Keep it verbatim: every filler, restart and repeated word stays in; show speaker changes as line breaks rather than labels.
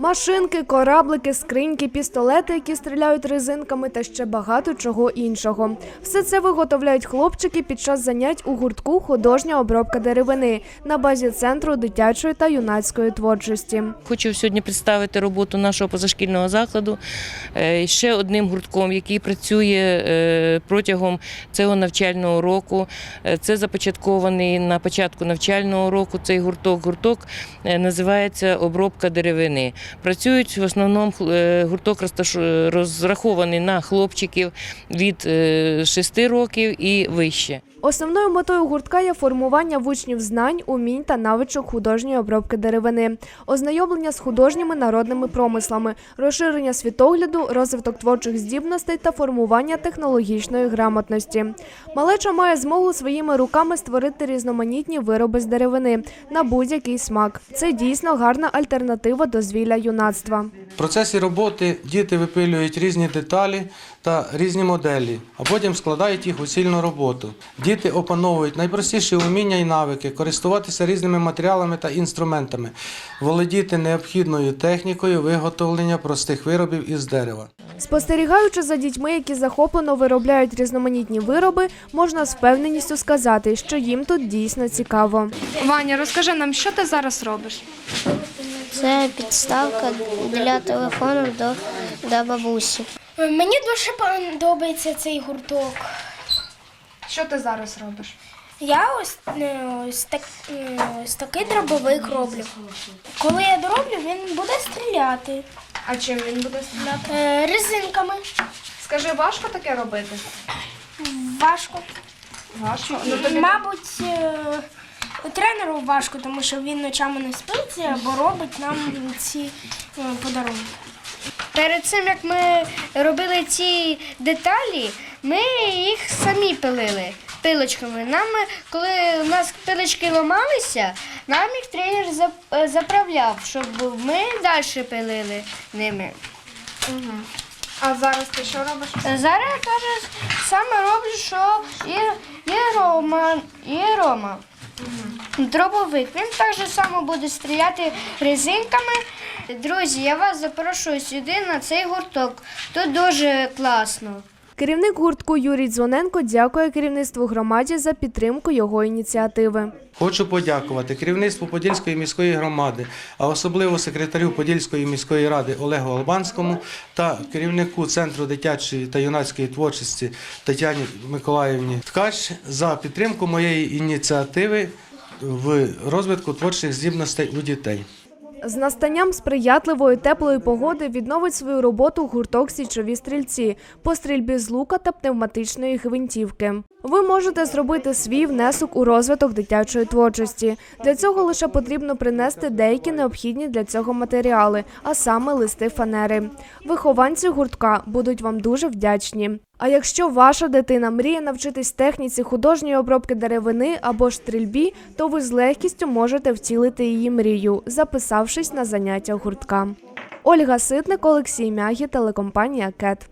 Машинки, кораблики, скриньки, пістолети, які стріляють резинками та ще багато чого іншого. Все це виготовляють хлопчики під час занять у гуртку «Художня обробка деревини» на базі Центру дитячої та юнацької творчості.
Хочу сьогодні представити роботу нашого позашкільного закладу ще одним гуртком, який працює протягом цього навчального року. Це започаткований на початку навчального року цей гурток. Гурток називається «Обробка деревини». Працюють в основному, гурток розрахований на хлопчиків від шести років і вище.
Основною метою гуртка є формування в учнів знань, умінь та навичок художньої обробки деревини, ознайомлення з художніми народними промислами, розширення світогляду, розвиток творчих здібностей та формування технологічної грамотності. Малеча має змогу своїми руками створити різноманітні вироби з деревини на будь-який смак. Це дійсно гарна альтернатива дозвілля юнацтва.
В процесі роботи діти випилюють різні деталі та різні моделі, а потім складають їх у цільну роботу. Діти опановують найпростіші уміння і навики, користуватися різними матеріалами та інструментами, володіти необхідною технікою виготовлення простих виробів із дерева.
Спостерігаючи за дітьми, які захоплено виробляють різноманітні вироби, можна з впевненістю сказати, що їм тут дійсно цікаво.
Ваня, розкажи нам, що ти зараз робиш?
Це підставка для телефону до, до бабусі.
Мені дуже подобається цей гурток.
Що ти зараз робиш?
Я ось, ось, так, ось такий дробовик роблю. Коли я дороблю, він буде стріляти.
А чим він буде стріляти?
Е, резинками.
Скажи, важко таке робити?
Важко.
Важко? Ну, тобі...
Мабуть, е, тренеру важко, тому що він ночами не спить або робить нам ці е, подарунки.
Перед цим, як ми робили ці деталі, ми їх самі пилили пилочками. Нам, коли у нас пилочки ламалися, нам їх тренер заправляв, щоб ми далі пилили ними.
Угу. А зараз ти що робиш?
Зараз я кажу, саме роблю, що і, і Рома, і Рома. Угу. Дробовик. Він так же само буде стріляти резинками. Друзі, я вас запрошую сюди на цей гурток. Тут дуже класно.
Керівник гуртку Юрій Дзвоненко дякує керівництву громаді за підтримку його ініціативи.
Хочу подякувати керівництву Подільської міської громади, а особливо секретарю Подільської міської ради Олегу Албанському та керівнику Центру дитячої та юнацької творчості Тетяні Миколаївні Ткач за підтримку моєї ініціативи в розвитку творчих здібностей у дітей.
З настанням сприятливої теплої погоди відновить свою роботу гурток «Січові стрільці» по стрільбі з лука та пневматичної гвинтівки. Ви можете зробити свій внесок у розвиток дитячої творчості. Для цього лише потрібно принести деякі необхідні для цього матеріали, а саме листи фанери. Вихованці гуртка будуть вам дуже вдячні. А якщо ваша дитина мріє навчитись техніці художньої обробки деревини або ж стрільбі, то ви з легкістю можете втілити її мрію, записавшись на заняття гуртка. Ольга Ситник, Олексій Мягі, телекомпанія «Кет».